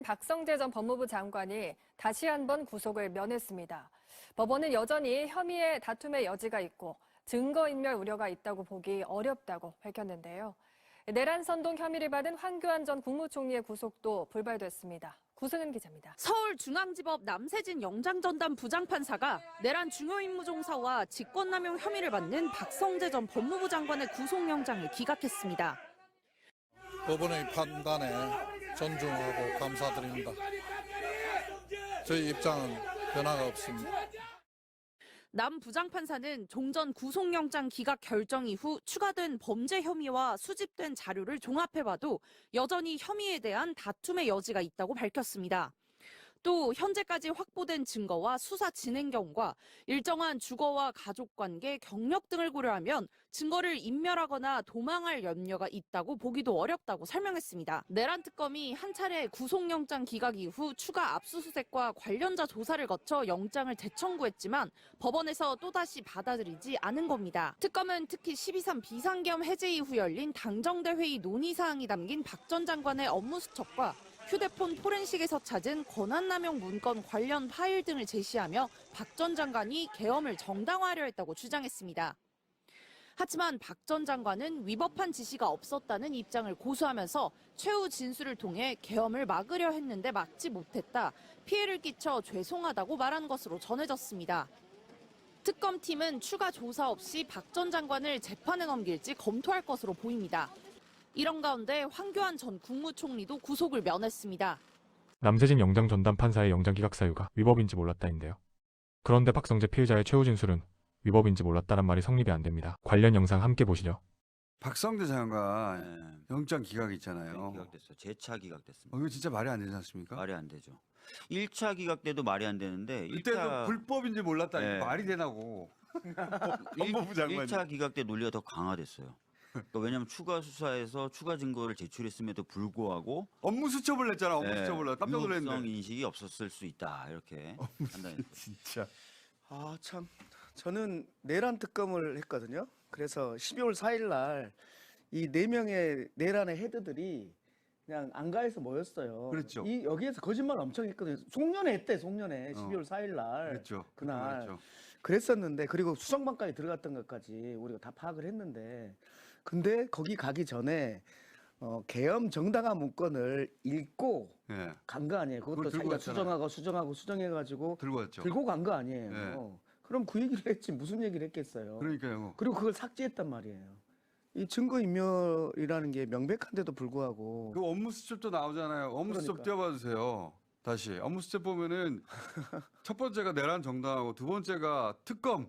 박성재 전 법무부 장관이 다시 한번 구속을 면했습니다. 법원은 여전히 혐의의 다툼의 여지가 있고 증거인멸 우려가 있다고 보기 어렵다고 밝혔는데요. 내란 선동 혐의를 받은 황교안 전 국무총리의 구속도 불발됐습니다. 구승은 기자입니다. 서울중앙지법 남세진 영장전담 부장판사가 내란 중요임무종사와 직권남용 혐의를 받는 박성재 전 법무부 장관의 구속영장을 기각했습니다. 법원의 판단에 존중하고 감사드립니다. 저희 입장은 변화가 없습니다. 남 부장판사는 종전 구속영장 기각 결정 이후 추가된 범죄 혐의와 수집된 자료를 종합해봐도 여전히 혐의에 대한 다툼의 여지가 있다고 밝혔습니다. 또 현재까지 확보된 증거와 수사 진행 경과, 일정한 주거와 가족관계, 경력 등을 고려하면 증거를 인멸하거나 도망할 염려가 있다고 보기도 어렵다고 설명했습니다. 내란 특검이 한 차례 구속영장 기각 이후 추가 압수수색과 관련자 조사를 거쳐 영장을 재청구했지만 법원에서 또다시 받아들이지 않은 겁니다. 특검은 특히 12.3 비상겸 해제 이후 열린 당정대 회의 논의사항이 담긴 박 전 장관의 업무 수첩과 휴대폰 포렌식에서 찾은 권한남용 문건 관련 파일 등을 제시하며 박 전 장관이 계엄을 정당화하려 했다고 주장했습니다. 하지만 박 전 장관은 위법한 지시가 없었다는 입장을 고수하면서 최후 진술을 통해 계엄을 막으려 했는데 막지 못했다, 피해를 끼쳐 죄송하다고 말한 것으로 전해졌습니다. 특검팀은 추가 조사 없이 박 전 장관을 재판에 넘길지 검토할 것으로 보입니다. 이런 가운데 황교안 전 국무총리도 구속을 면했습니다. 남세진 영장 전담 판사의 영장 기각 사유가 위법인지 몰랐다인데요. 그런데 박성재 피해자의 최후 진술은 위법인지 몰랐다란 말이 성립이 안 됩니다. 관련 영상 함께 보시죠. 박성재 장관 영장 기각 있잖아요. 네, 기각됐어요. 재차 기각됐습니다. 이거 진짜 말이 안 되지 않습니까? 말이 안 되죠. 1차 기각 때도 말이 안 되는데 이때도 불법인지 몰랐다. 네. 말이 되나고. 법무부 장관이. 1차 기각 때 논리가 더 강화됐어요. 그러니까 왜냐하면 추가 수사에서 추가 증거를 제출했음에도 불구하고 업무 수첩을 냈잖아. 업무 수첩을 내. 깜짝 유법성 놀랐는데. 인식이 없었을 수 있다 이렇게 판단했어요. 진짜. 아, 참. 저는 내란 특검을 했거든요. 그래서 12월 4일 날 이 4명의 내란의 헤드들이 그냥 안가에서 모였어요. 그랬죠. 여기에서 거짓말 엄청 했거든요. 송년회 했대, 송년회. 12월 4일 날. 그랬죠. 그날. 그랬죠. 그랬었는데, 그리고 수정방까지 들어갔던 것까지 우리가 다 파악을 했는데, 근데 거기 가기 전에 계엄 정당화 문건을 읽고 예. 간 거 아니에요. 그걸 그것도 들고 자기가 갔잖아요. 수정해가지고 들고 왔죠. 들고 간 거 아니에요. 그럼 그 얘기를 했지 무슨 얘기를 했겠어요. 그러니까요. 그리고 그걸 삭제했단 말이에요. 이 증거인멸이라는 게 명백한데도 불구하고 그 업무 수첩도 나오잖아요. 업무 수첩 그러니까. 띄워봐 주세요. 다시 업무 수첩 보면은 첫 번째가 내란 정당하고 두 번째가 특검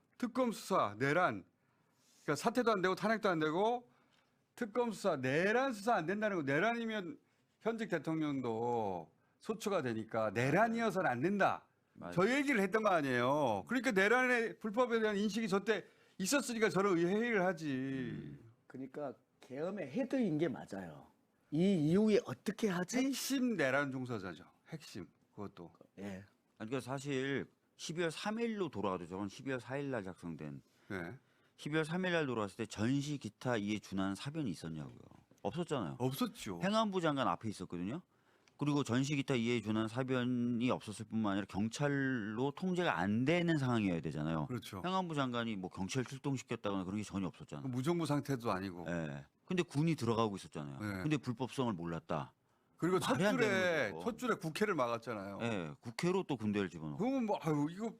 수사 내란. 그러니까 사퇴도 안 되고 탄핵도 안 되고 특검 수사 내란 수사 안 된다는 거. 내란이면 현직 대통령도 소추가 되니까 내란이어서는 안 된다. 맞아요. 저 얘기를 했던 거 아니에요. 그러니까 내란의 불법에 대한 인식이 저때 있었으니까 저런 회의를 하지. 그러니까 계엄의 헤드인 게 맞아요. 이 이후에 어떻게 하지? 핵심 내란 종사자죠. 핵심 그것도. 예. 그러니까 사실 12월 3일로 돌아가도 저건 12월 4일 날 작성된 네. 12월 3일 날 돌아왔을 때 전시 기타 이에 준하는 사변이 있었냐고요. 없었잖아요. 없었죠. 행안부 장관 앞에 있었거든요. 그리고 전시 기타 이에 준하는 사변이 없었을 뿐만 아니라 경찰로 통제가 안 되는 상황이어야 되잖아요. 그렇죠. 행안부 장관이 뭐 경찰 출동시켰다거나 그런 게 전혀 없었잖아요. 무정부 상태도 아니고. 예. 근데 군이 들어가고 있었잖아요. 네. 근데 불법성을 몰랐다. 그리고 첫 말이 안 되는 줄에 거죠. 첫 줄에 국회를 막았잖아요. 예. 국회로 또 군대를 집어넣고. 그러면 뭐 아유 이거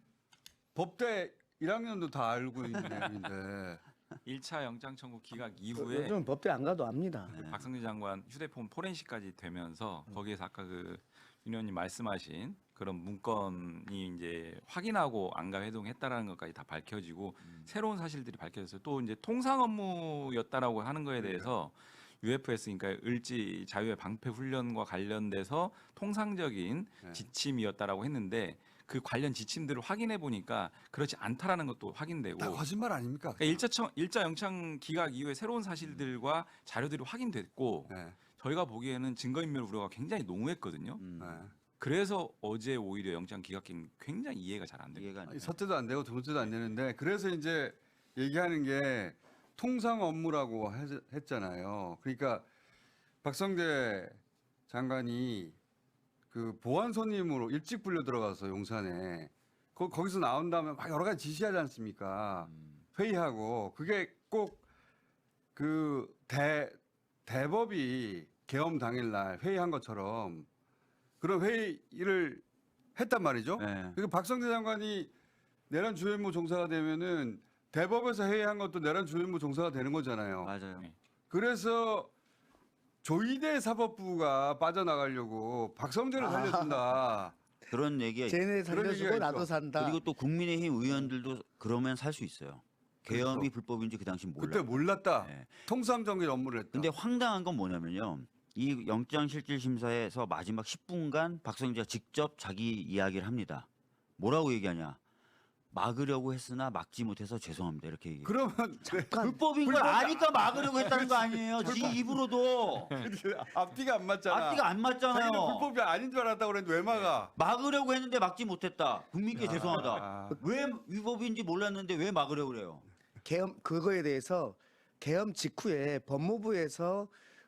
법대 1학년도 다 알고 있는 내용인데. 1차 영장 청구 기각 이후에 요즘 법대 안 가도 압니다. 네. 박성재 장관 휴대폰 포렌식까지 되면서 거기에서 아까 그 윤 의원님 말씀하신 그런 문건이 이제 확인하고 안가 회동했다라는 것까지 다 밝혀지고 새로운 사실들이 밝혀졌어요. 또 이제 통상 업무였다라고 하는 거에 대해서 UFS 그러니까 을지 자유의 방패 훈련과 관련돼서 통상적인 네. 지침이었다라고 했는데 그 관련 지침들을 확인해 보니까 그렇지 않다라는 것도 확인되고 다 거짓말 아닙니까? 그러니까 1차 영장 기각 이후에 새로운 사실들과 자료들이 확인됐고 네. 저희가 보기에는 증거인멸 우려가 굉장히 농후했거든요. 네. 그래서 어제 오히려 영장 기각이 굉장히 이해가 잘 안 됩니다. 이해가 안 돼요. 첫 때도 안 되고 두 번째도 안 되는데 그래서 이제 얘기하는 게 통상 업무라고 했잖아요. 그러니까 박성재 장관이 그 보안 손님으로 일찍 불려 들어가서 용산에 거기서 나온 다음에 막 여러 가지 지시하지 않습니까? 회의하고 그게 꼭 그 대법이 계엄 당일날 회의한 것처럼 그런 회의를 했단 말이죠. 네. 그리고 박성재 장관이 내란 주요임무 종사가 되면은 대법에서 회의한 것도 내란 주요임무 종사가 되는 거잖아요. 맞아요. 네. 그래서 조이대 사법부가 빠져나가려고 박성재를 살려준다. 그런 얘기가 쟤네 그런 살려주고 얘기가 나도 있어. 산다. 그리고 또 국민의힘 의원들도 그러면 살 수 있어요. 계엄이 그렇죠. 불법인지 그 당시 몰라. 그때 몰랐다. 네. 통삼정의 업무를 했다. 근데 황당한 건 뭐냐면요. 이 영장실질심사에서 마지막 10분간 박성재가 직접 자기 이야기를 합니다. 뭐라고 얘기하냐. 막으려고 했으나 막지 못해서 죄송합니다. 이렇게 얘기해요. 그러면 잠깐 불법인 걸 아니까 막으려고 했다는 거 아니에요. 지 입으로도. 앞뒤가 안 맞잖아. 앞뒤가 안 맞잖아요. 자기는 불법이 아닌 줄 알았다고 그랬는데 왜 막아? 막으려고 했는데 막지 못했다. 국민께 죄송하다. 아, 왜 위법인지 몰랐는데 왜 막으려고 그래요? 계엄 그거에 대해서 계엄 직후에 법무부에서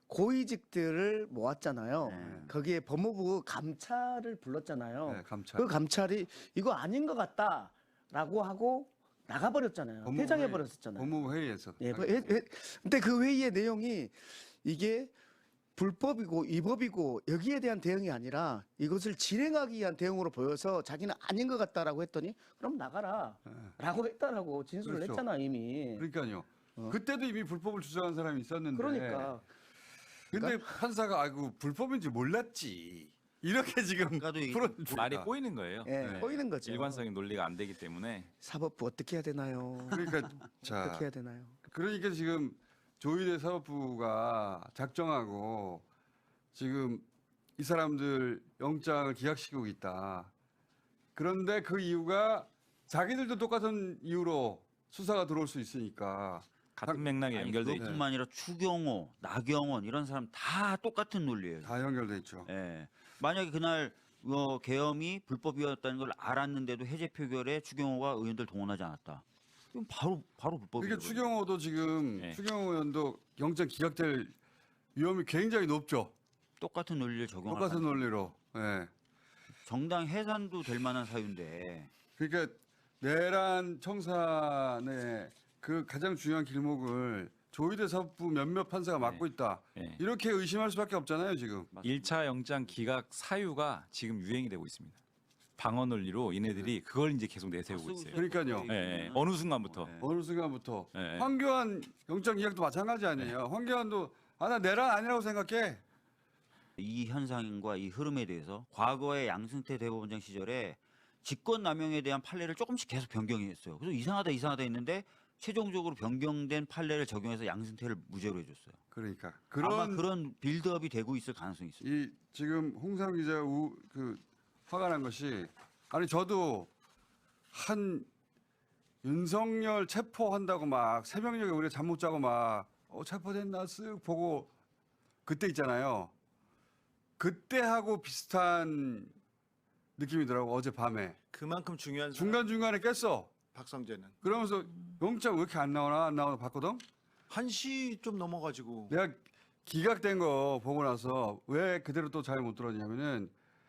고위직들을 모았잖아요. 네. 거기에 법무부 감찰을 불렀잖아요. 네, 감찰. 그 감찰이 이거 아닌 것 같다라고 하고 나가버렸잖아요. 법무부 퇴장해 회의- 버렸었잖아요. 법무부 회의에서. 예, 근데 그 회의의 내용이 이게 불법이고 위법이고 여기에 대한 대응이 아니라 이것을 진행하기 위한 대응으로 보여서 자기는 아닌 것 같다라고 했더니 그럼 나가라라고 했다라고 진술을 그렇죠. 했잖아 이미. 그러니까요. 어. 그때도 이미 불법을 주장한 사람이 있었는데. 그러니까 근데 판사가 아이고 불법인지 몰랐지. 이렇게 지금 아까도 풀어주니까. 말이 꼬이는 거예요. 예, 네. 꼬이는 거죠. 일관성인 논리가 안 되기 때문에 사법부 어떻게 해야 되나요? 그러니까 자, 어떻게 해야 되나요? 그러니까 지금 조희대 사법부가 작정하고 지금 이 사람들 영장을 기각시키고 있다. 그런데 그 이유가 자기들도 똑같은 이유로 수사가 들어올 수 있으니까. 같은 맥락에 아니, 연결돼 있죠. 그것뿐만 아니라 추경호, 나경원 이런 사람 다 똑같은 논리예요. 다 연결돼 있죠. 예. 만약에 그날 계엄이 불법이었다는 걸 알았는데도 해제 표결에 추경호가 의원들 동원하지 않았다. 그럼 바로 불법이에요. 그러니까 추경호도 지금 네. 추경호 의원도 영장 기각될 위험이 굉장히 높죠. 똑같은 논리를 적용하는 똑같은 논리로. 예. 정당 해산도 될 만한 사유인데 그러니까 내란 청산의 그 가장 중요한 길목을 조희대 사법부 몇몇 판사가 맡고 있다. 네. 이렇게 의심할 수밖에 없잖아요, 지금. 1차 영장 기각 사유가 지금 유행이 되고 있습니다. 방어 논리로 이네들이 그걸 이제 계속 내세우고 있어요. 그러니까요. 예, 어느 순간부터. 네. 어느 순간부터 예. 황교안 영장 기각도 마찬가지 아니에요. 황교안도 나 내란 아니라고 생각해. 이 현상과 이 흐름에 대해서 과거의 양승태 대법원장 시절에 직권남용에 대한 판례를 조금씩 계속 변경했어요. 그래서 이상하다 했는데 최종적으로 변경된 판례를 적용해서 양승태를 무죄로 해줬어요. 그러니까 아마 그런 빌드업이 되고 있을 가능성이 있어요. 이 지금 홍상 기자 화가 난 것이 아니 저도 한 윤석열 체포한다고 막 새벽녘에 우리가 잠 못 자고 막 체포됐나 쓱 보고 그때 있잖아요. 그때하고 비슷한 느낌이더라고 어제 밤에 그만큼 중요한 사람, 중간중간에 깼어. 박성재는 그러면서 영장 왜 이렇게 안 나오나 봤거든. 1시 좀 넘어가지고 내가 기각된 거 보고 나서 왜 그대로 또 잘 못 들었냐면은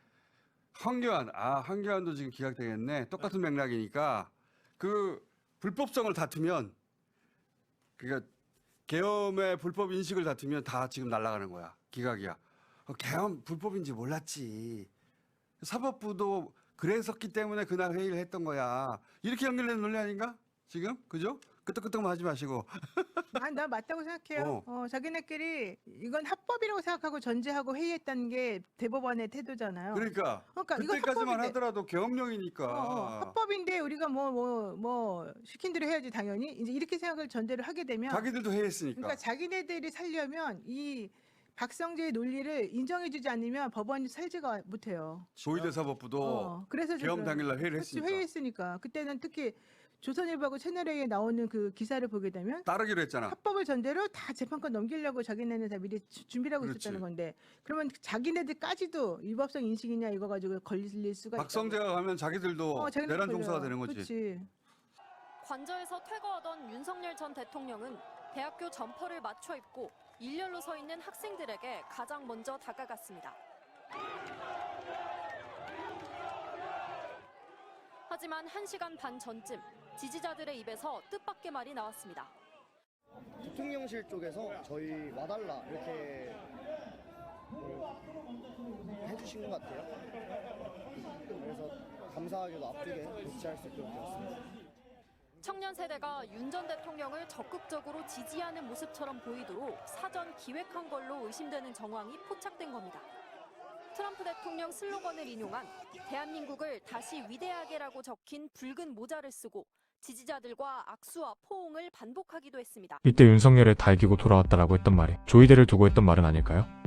황교안도 지금 기각되겠네. 똑같은 맥락이니까 그 불법성을 다투면 그러니까 계엄의 불법 인식을 다투면 다 지금 날아가는 거야. 기각이야. 계엄 불법인지 몰랐지. 사법부도 그랬었기 때문에 그날 회의를 했던 거야. 이렇게 연결되는 논리 아닌가? 지금? 그죠? 끄떡끄떡만 하지 마시고. 나 맞다고 생각해요. 자기네끼리 이건 합법이라고 생각하고 전제하고 회의했다는 게 대법원의 태도잖아요. 그러니까 그러니까 이거 그때까지만 합법인데. 하더라도 계엄령이니까 합법인데 우리가 뭐 시킨 대로 해야지 당연히 이제 이렇게 생각을 전제를 하게 되면 자기들도 회의했으니까. 그러니까 자기네들이 살려면 이 박성재의 논리를 인정해주지 않으면 법원이 살지가 못해요. 조희대 사법부도 그래서 계엄 당일날 회의를 그렇지, 했으니까 회의했으니까 그때는 특히 조선일보하고 채널A에 나오는 그 기사를 보게 되면 따르기로 했잖아. 합법을 전제로 다 재판권 넘기려고 자기네는 다 미리 준비를 하고 그렇지. 있었다는 건데 그러면 자기네들까지도 위법성 인식이냐 이거 가지고 걸릴 수가 박성재가 가면 자기들도 자기네들 내란 종사가 걸려요. 되는 거지. 그렇지. 관저에서 퇴거하던 윤석열 전 대통령은 대학교 점퍼를 맞춰 입고 일렬로 서 있는 학생들에게 가장 먼저 다가갔습니다. 하지만 1시간 반 전쯤 지지자들의 입에서 뜻밖의 말이 나왔습니다. 대통령실 쪽에서 저희 와달라 이렇게 해주신 것 같아요. 그래서 감사하게도 앞두게 배치할 수 있도록 되었습니다. 청년 세대가 윤 전 대통령을 적극적으로 지지하는 모습처럼 보이도록 사전 기획한 걸로 의심되는 정황이 포착된 겁니다. 트럼프 대통령 슬로건을 인용한 대한민국을 다시 위대하게라고 적힌 붉은 모자를 쓰고 지지자들과 악수와 포옹을 반복하기도 했습니다. 이때 윤석열의 다 이기고 돌아왔다라고 했던 말이 조이대를 두고 했던 말은 아닐까요?